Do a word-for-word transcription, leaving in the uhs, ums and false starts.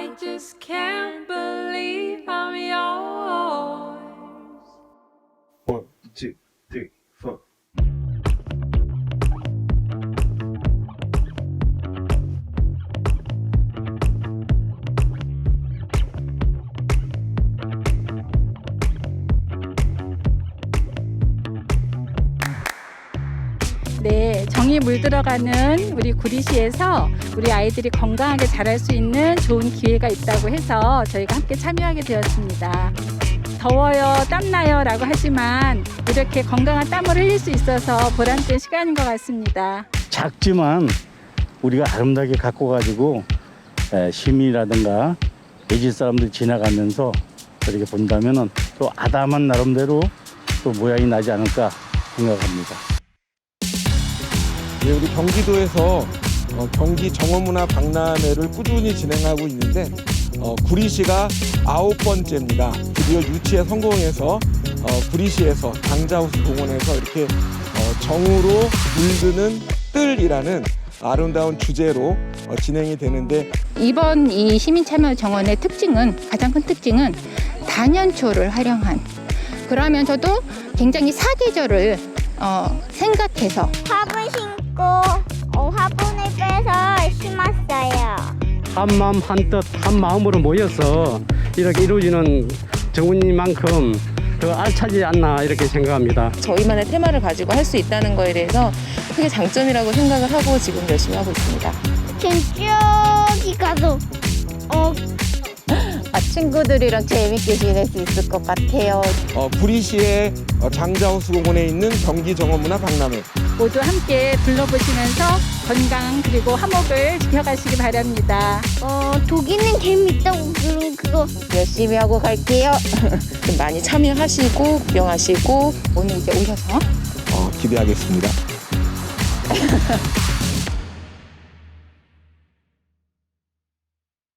I just can't believe I'm yours. One, two, three, four. 네, 정이 물들어가는 우리 구리시에서 우리 아이들이 건강하게 자랄 수 있는 좋은 기회가 있다고 해서 저희가 함께 참여하게 되었습니다. 더워요, 땀나요 라고 하지만 이렇게 건강한 땀을 흘릴 수 있어서 보람된 시간인 것 같습니다. 작지만 우리가 아름답게 갖고 가지고 시민이라든가 외지 사람들 지나가면서 이렇게 본다면은 또 아담한 나름대로 또 모양이 나지 않을까 생각합니다. 예, 우리 경기도에서 어, 경기 정어문화 박람회를 꾸준히 진행하고 있는데 어, 구리시가 아홉 번째입니다. 드디어 유치에 성공해서 어, 구리시에서 당자호수 공원에서 이렇게 어, 정으로 물드는 뜰이라는 아름다운 주제로 어, 진행이 되는데 이번 이 시민참여 정원의 특징은 가장 큰 특징은 단연초를 활용한 그러면서도 굉장히 사계절을 어, 생각해서 화분 신고 어, 화분을 빼서 심었어요. 한마음 한뜻 한마음으로 모여서 이렇게 이루어지는 정원이만큼 더 알차지 않나 이렇게 생각합니다. 저희만의 테마를 가지고 할 수 있다는 거에 대해서 크게 장점이라고 생각을 하고 지금 열심히 하고 있습니다. 저기 가서 어, 아, 친구들이랑 재밌게 지낼 수 있을 것 같아요. 어, 구리시의 어, 장자호수 공원에 있는 경기 정어문화 박람회 모두 함께 둘러보시면서 건강 그리고 화목을 지켜가시기 바랍니다. 어, 독일은 재밌다고 그런 그거 열심히 하고 갈게요. 좀 많이 참여하시고 구경하시고 오늘 이제 오셔서 어, 기대하겠습니다.